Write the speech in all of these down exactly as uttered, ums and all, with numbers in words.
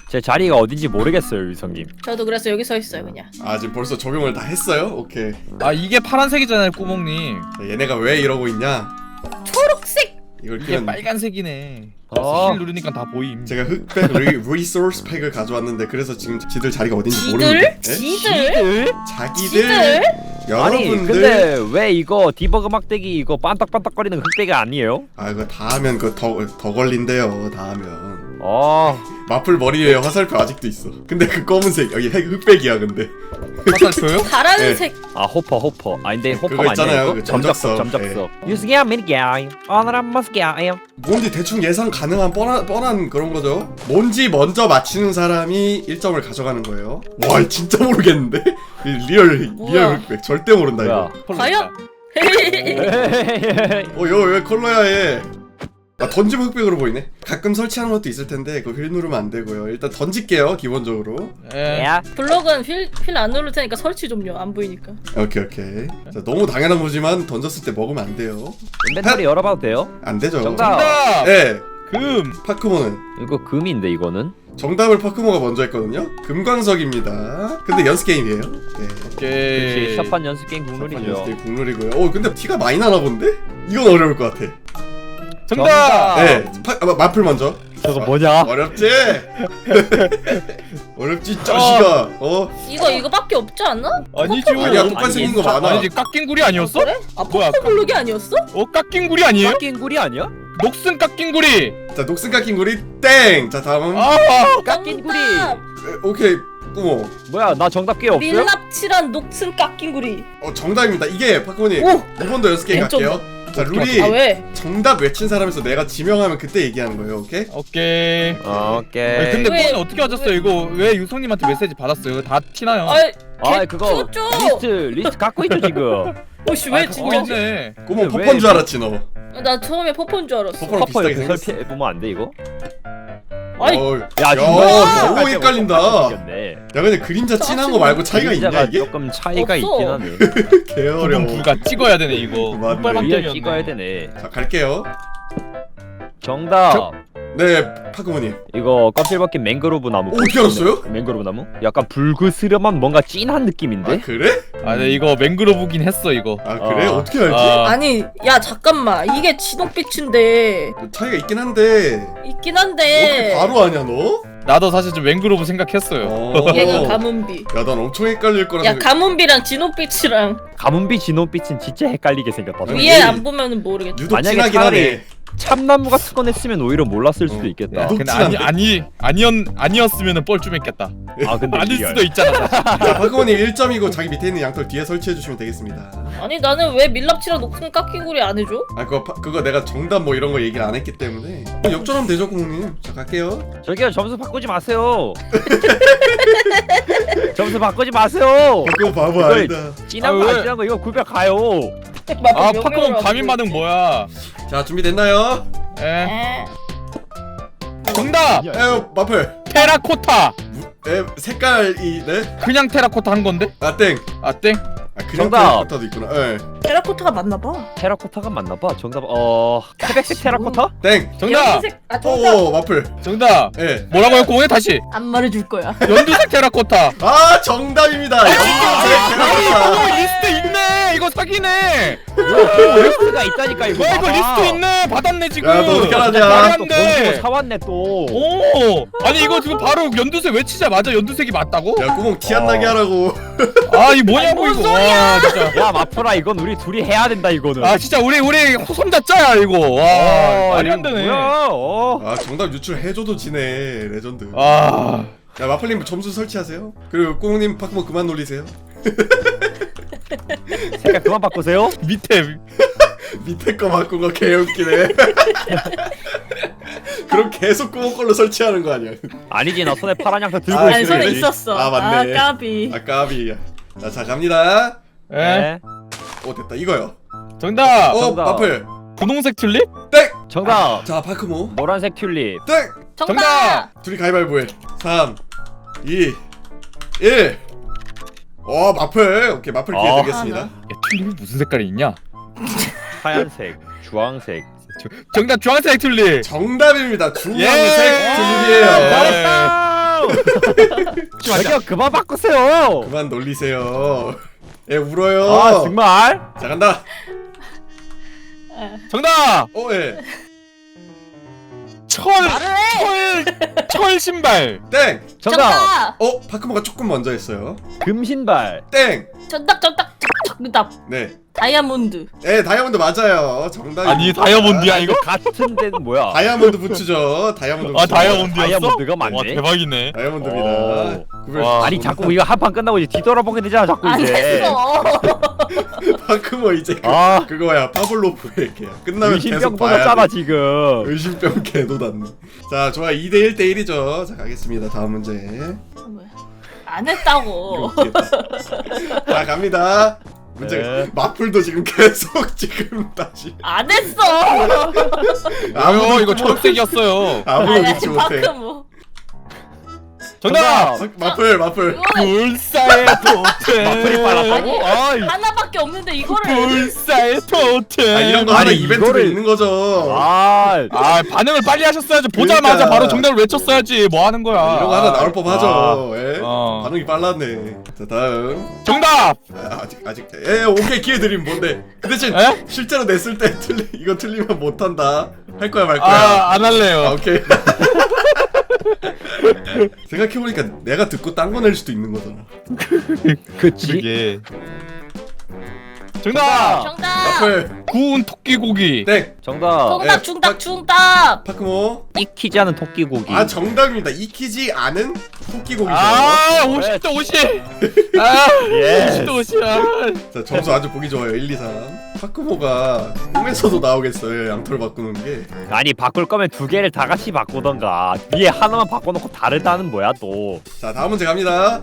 제 자리가 어딘지 모르겠어요, 유성님. 저도 그래서 여기 서 있어요 그냥. 아 지금 벌써 적용을 다 했어요? 오케이. 아 이게 파란색이잖아요 꾸몽님. 자, 얘네가 왜 이러고 있냐? 초록색. 이걸 이게 그냥 빨간색이네. 어. 실 누르니까 다 보임. 제가 흑백 리, 리소스 팩을 가져왔는데 그래서 지금 지들 자리가 어딘지 모르는데. 지들? 네? 지들? 자기들 지들? 아니, 여러분들. 근데 왜 이거 디버그 막대기 이거 반딱반딱거리는 흑대기 아니에요? 아 이거 다 하면 그더 더 걸린대요. 다 하면. 어. 마플 머리 위에 화살표 아직도 있어. 근데 그 검은색 여기 흑, 흑백이야 근데. 화살표요? 파란색. 아 호퍼 호퍼. 아 근데 호퍼 그거 아니야 있잖아요, 이거? 그 점적석 점적석. 점적석. 유승이야 미니게임. 오늘은 머스게임. 뭔지 대충 예상 가능한 뻔한, 뻔한 그런 거죠. 뭔지 먼저 맞히는 사람이 일 점을 가져가는 거예요. 와 진짜 모르겠는데? 리얼 뭐야? 리얼 흑백 절대 모른다 뭐야? 이거. 과연? 어 이거 왜 컬러야 얘? 아 던지면 흑백으로 보이네. 가끔 설치하는 것도 있을 텐데 그거 휠 누르면 안 되고요. 일단 던질게요 기본적으로. 예. 야. 블록은 휠휠 안 누를 테니까 설치 좀요. 안 보이니까. 오케이 오케이. 자 너무 당연한 거지만 던졌을 때 먹으면 안 돼요. 인벤토리 열어봐도 돼요? 안 되죠. 정답. 정답. 네. 금. 파크모는 이거 금인데 이거는? 정답을 파크모가 먼저 했거든요. 금광석입니다. 근데 연습 게임이에요. 네. 오케이. 역시 첫판 연습 게임 국룰이죠. 연습 게임 국룰이고요. 어 근데 티가 많이 나나 본데? 이건 어려울 것 같아. 정답. 네. 파, 아, 마플 먼저. 저거 뭐냐? 어렵지? 어렵지 자식아. 어? 이거 이거밖에 없지 않나? 아니죠. 아니야 똑같이 생긴 거 많아. 아니지 깎인 구리 아니었어? 그래? 아 뭐야, 퍼플 블록이 아니었어? 어 깎인 구리 아니에요? 깎인 구리 아니야? 녹슨 깎인 구리. 자 녹슨 깎인 구리 땡. 자 다음은 아. 깎인 구리. 정답! 에, 오케이 꾸모. 뭐야 나 정답 꽤 없어요? 밀랍칠한 녹슨 깎인 구리. 어 정답입니다. 이게 파크모님 오! 이번도 연습 게임 왼쪽. 갈게요. 자 룰이 아 왜? 정답 외친 사람에서 내가 지명하면 그때 얘기하는 거예요. 오케이? 오케이. 어, 아니, 오케이. 근데 왜- 뽀는 어떻게 하셨어요? 이거 왜 유성님한테 메시지 받았어요? 다 티나요. 아이 아 개 그거 줬죠. 리스트 리스트 갖고 있죠 지금. 오씨 왜 아, 진짜? 갖고 있네. 꾸모 왜- 퍼퍼인 줄 알았지 너. 나 처음에 퍼퍼인 줄 알았어. 퍼퍼랑 퍼퍼 비슷하게 이렇게 생겼어. 설치해 보면 안 돼 이거? 아이 어, 야 야, 진짜 너무 헷갈린다. 야 생겼네. 근데 그림자 진한 거 말고 차이가 있냐 그림자가 이게? 조금 차이가 없어. 있긴 하네. 개 구분 어려워. 불가 찍어야 되네 이거. 맞네. 흑발 리얼 방점이었네. 찍어야 되네. 자 갈게요. 정답. 저- 네 파크모님. 이거 껍질 벗긴 맹그로브 나무. 오, 어떻게 알았어요? 맹그로브 나무? 약간 불그스름한 뭔가 진한 느낌인데? 아 그래? 아, 네 이거 맹그로브긴 했어 이거. 아 그래? 아. 어. 떻게 알지? 아. 아니 야 잠깐만 이게 진홍빛인데 차이가 있긴 한데 있긴 어떻게 한데 바로 아냐 너? 나도 사실 좀 맹그로브 생각했어요. 어. 얘가 가문비. 야난 엄청 헷갈릴 거라 야 생각. 가문비랑 진홍빛이랑 가문비 진홍빛은 진짜 헷갈리게 생겼다. 아니, 위에 얘- 안 보면은 모르겠지. 유독 만약에 진하긴 차라리 하네. 참나무 같은 거 냈으면 오히려 몰랐을 수도 어. 있겠다. 야, 녹- 근데 녹진한데? 아니 아니 아니었 아니었으면은 뻘쭘했겠다. 아 근데 아닐 리얼. 수도 있잖아. 자 파크모님 일 점이고 자기 밑에 있는 양털 뒤에 설치해 주시면 되겠습니다. 아니 나는 왜 밀랍칠한 녹슨 깎인 구리 안 해줘? 아 그거 파, 그거 내가 정답 뭐 이런 거 얘기를 안 했기 때문에 어, 역전하면 되죠 구멍님. 자 갈게요. 저기요 점수 바꾸지 마세요. 점수 바꾸지 마세요. 그거 바보 이걸- 아니다. 진한 아, 거 왜? 안 진한 거 이거 구별 가요. 아 파크몬 가민 반응 뭐야? 자 준비됐나요? 에 에 정답. 에휴 마플. 테라코타. 에 색깔이 네? 그냥 테라코타 한 건데? 아 땡. 아 땡. 아 그냥 정답. 테라코타도 있구나. 예. 테라코타가 맞나봐. 테라코타가 맞나봐. 정답 어 태백색 테라코타? 땡. 정답. 연두색 아 정답. 오 마플. 정답. 예. 뭐라고요? 공에 다시. 안 말해줄 거야. 연두색 테라코타. 아 정답입니다. 연두색 테라코타. 어, 리스트 있네. 이거 사기네. 리스트가 있다니까 이거. 와 이거 봐봐. 리스트 있네. 받았네 지금. 야, 너 어떻게 알았냐? 말이 또 안 돼. 던지고 사왔네 또. 오. 아니 이거 지금 바로 연두색 외치자마자 연두색이 맞다고? 야 구멍 티 안 나게 어. 하라고. 아 이 뭐냐고 아니, 뭔 이거. 와 진짜. 야 마프라 이건 우리 둘이 해야 된다 이거는. 아 진짜 우리 우리 손잡자야 이거. 와 말이 안 이거 되네. 뭐야? 어. 아 정답 유출해줘도 지네 레전드. 아. 야 마플님 점수 설치하세요. 그리고 꽁님 파크모 그만 놀리세요. 색깔 그만 바꾸세요. 밑에 밑에 거 바꾼 거 개웃기네. 그럼 계속 구멍 걸로 설치하는 거 아니야? 아니지 나 손에 파란 양털 들고 아, 아니 있어. 손에 그래. 있었어. 아, 맞네. 아 까비. 아 까비. 자, 자 갑니다. 에 네. 오 됐다 이거요. 정답. 어 정답. 마플. 분홍색 튤립? 땡. 정답. 자 파크모. 노란색 튤립. 땡. 정답. 둘이 가위바위보해. 삼, 이, 일. 어 마플. 오케이 마플 기회 어. 드리겠습니다. 야, 튤립이 무슨 색깔이 있냐? 하얀색, 주황색. 정답 주황색 튤립. 정답입니다. 주황색 예. 튤립이에요. 잘했다. 바꾸지 마자. 저기요 그만 바꾸세요. 그만 놀리세요. 애 울어요. 아 정말? 자 간다. 정답. 어 예. 철. 철. 철 신발. 땡. 정답. 정답. 어 파크모가 조금 먼저 했어요. 금신발. 땡. 정답 정답 정답. 네. 다이아몬드. 예 다이아몬드 맞아요. 정답. 아니 다이아몬드야 이거? 같은 데는 뭐야? 다이아몬드 부츠죠. 다이아몬드. 아 부츠. 다이아몬드였어? 다이아몬드가 맞네. 와 대박이네. 다이아몬드입니다. 구별- 와. 아니 자꾸 이거 한 판 끝나고 이제 뒤돌아보게 되잖아 자꾸 안 이제. 했어. 파크모 이제 그, 아 그거야 파블로프의 개야. 끝나면 의심병 계속 봐야 돋았잖아 돼. 지금. 의심병 개도났네. 자 좋아 이 대 일 대 일이죠. 자 가겠습니다. 다음 문제. 안 했다고. 웃기다. 자 갑니다. 문제 네. 마플도 지금 계속 지금 다시 안 했어. 아유 이거 초록색이었어요. 아무도 아니 믿지 아니 못해. 방금 뭐. 정답. 마- 마플 마플. 이거는 불사의 토템. 마플이 빨았다고? 아이. 하나밖에 없는데 이거를. 불사의 토템. 아 이런 거 하나 아니, 이벤트로 이거를- 있는 거죠. 아 아 반응을 빨리 하셨어야지. 보자마자 그러니까. 바로 정답을 외쳤어야지. 뭐 하는 거야? 이런 거 하나 나올 법하죠. 아. 예? 어. 반응이 빨랐네. 자 다음. 정답. 아, 아직 아직. 예 오케이 기회 드림 뭔데? 그 대신 에? 실제로 냈을 때 틀리 이거 틀리면 못 한다. 할 거야 말 거야. 아 안 할래요. 아, 오케이. 생각해보니까 내가 듣고 딴 거 낼 수도 있는 거잖아. 그치. 이게. 정답. 정답. 마플 구운 토끼고기. 땡. 정답. 정답 예, 중답 파- 중답. 파크모. 익히지 않은 토끼고기. 아 정답입니다. 익히지 않은 토끼고기죠. 아 오십 대 오십. 아 예. 오십 대 오십. 아. 자 점수 아주 보기 좋아요. 일, 이, 삼. 파크모가 꿈에서도 나오겠어요. 양털 바꾸는 게. 아니 바꿀 거면 두 개를 다 같이 바꾸던가. 위에 하나만 바꿔놓고 다르다는 뭐야 또. 자 다음 문제 갑니다.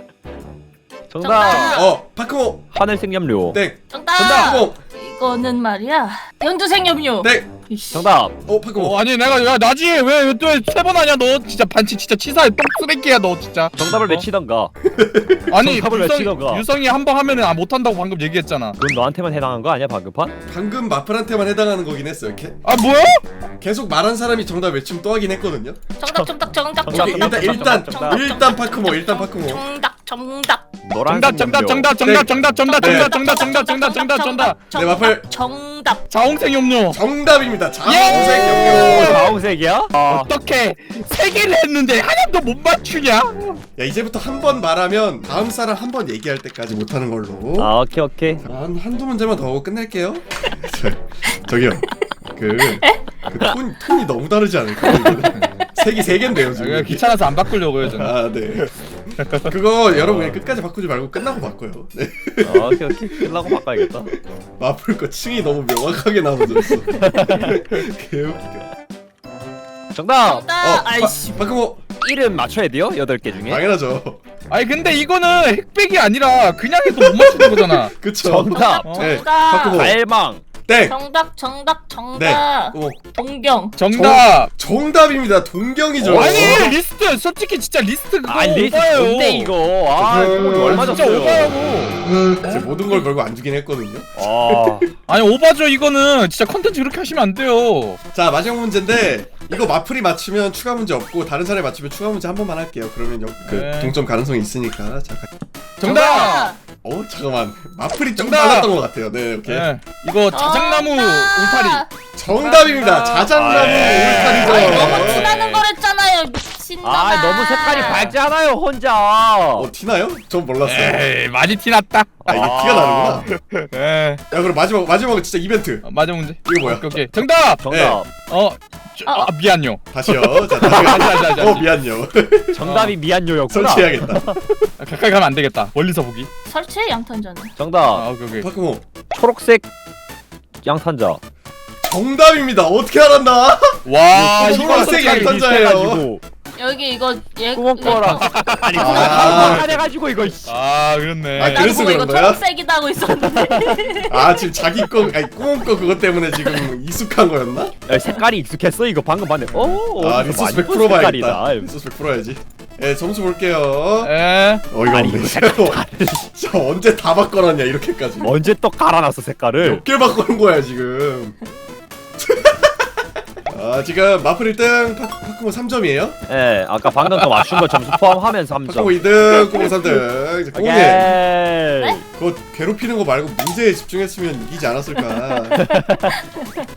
정답. 정답. 어 파크모. 하늘색 염료. 땡. 정답. 파크모. 이거는 말이야. 연두색염료. 땡. 이씨. 정답. 어 파크모. 어 아니 내가 야 나지 왜 또 세 번 하냐 너 진짜 반치 진짜 치사해 똥 쓰레기야 너 진짜. 정답을 어? 외치던가. 아니 정답을 유성, 외치던가. 유성이 한 번 하면은 아 못한다고 방금 얘기했잖아. 그건 너한테만 해당한 거 아니야 방금 판? 방금 마플한테만 해당하는 거긴 했어요. 개, 아 뭐야? 계속 말한 사람이 정답 외치면 또 하긴 했거든요. 정답 정답 정답 정답, 오케이, 정답. 일단 일단 정답, 일단 파크모 일단 파크모. 정답 정답. 노란색 정답 정답 염료. 정답 정답 정답 네. 정답 정답 정답 정답 정답 정답. 네, 마플. 정답. 자홍색 염료. 정답입니다. 예! 자홍색 오, 염료. 자홍색이야? 아, 어떻게 세 개를 했는데 하나도 못 맞추냐? 야 이제부터 한 번 말하면 다음 사람 한 번 얘기할 때까지 못하는 걸로. 아 오케이 오케이. 한 한두 문제만 더 하고 끝낼게요. 저, 저기요. 그, 그 톤, 톤이 너무 다르지 않을까요? 이거는? 색이 세 개인데요 아, 지금. 귀찮아서 안 바꾸려고요 저는. 아 네. 그거 여러분 그냥 끝까지 바꾸지 말고 끝나고 바꿔요. 네. 아, 오케이 오케이. 끝나고 바꿔야겠다. 마플 거 층이 너무 명확하게 나눠져 있어. 개웃기게. 정답. 정답. 아이씨. 바꾸고 이름 맞춰야 돼요? 여덟 개 중에. 당연하죠. 아니 근데 이거는 핵백이 아니라 그냥 해도 못 맞추는 거잖아. 그쵸. 정답. 어? 네. 정답. 바꾸고 갈망. 땡. 정답 정답 정답. 네. 어, 동경. 정답. 정답입니다. 동경이죠. 아니 리스트 솔직히 진짜 리스트 그거 아 리스트 오바예요. 뭔데 이거? 아 음, 이거 얼마 진짜 줬어요? 오바라고. 이제 모든 걸 걸고 안 주긴 했거든요. 아 아니 오바죠 이거는 진짜 컨텐츠 그렇게 하시면 안 돼요. 자 마지막 문제인데 이거 마플이 맞추면 추가 문제 없고 다른 사람이 맞추면 추가 문제 한 번만 할게요. 그러면 역, 그 네. 동점 가능성이 있으니까. 자, 가- 정답. 어 잠깐만 마플이 좀 정답! 빨랐던 것 같아요. 네 오케이. 네. 이거 자작나무 울타리. 정답입니다. 자작나무 아, 예. 아니 너무 울타리죠. 티나는 거랬잖아요. 미친놈아. 아, 너무 색깔이 밝지 않아요 혼자. 어 티나요? 전 몰랐어요. 에이 많이 티났다. 아 이게 아. 티가 나는구나. 에 야 그럼 마지막 마지막은 진짜 이벤트. 어, 맞아 문제. 이거 뭐야? 오케이, 오케이. 정답. 정답. 어. 저, 아 미안요. 다시요. 자 다시 다시. 다시 다시. 어 미안요. 정답이 미안요였구나. 설치해야겠다. 아, 가까이 가면 안 되겠다. 멀리서 보기. 설치해 양탄자는. 정답. 아 오케이 오케이. 파크모 초록색 양탄자. 정답입니다. 어떻게 알았나? 와 이거 이거 초록색 솔직히 양탄자예요. 비슷해가지고. 여기 이거 얘 꾸멍 거랑 아니 아. 꾸멍 해가지고 이거. 씨. 아 그렇네. 아, 나도 그래서 보고 이거 그런 거야? 초록색이다 하고 있었는데. 아 지금 자기 거 아니 꾸몽 거 그것 때문에 지금 익숙한 거였나? 야, 색깔이 익숙했어 이거 방금 봤네. 오. 아 어디서 리소스 많이 백 본 프로 봐야겠다. 색깔이다. 리소스 백 프로 해야지. 예 점수 볼게요. 에. 어이가 아니, 없네. 이거 색깔 진짜 언제 다 바꿔놨냐 이렇게까지. 언제 또 갈아놨어 색깔을? 몇 개 바꾸는 거야 지금. 아 지금 마플 일 등, 파, 파크모 삼 점이에요? 예, 아까 방금 거 맞춘 거 점수 포함하면서 삼 점. 파크모 이 등, 꼬모 삼 등. 이제 꼬님 오케이. 그거 괴롭히는 거 말고 문제에 집중했으면 이기지 않았을까.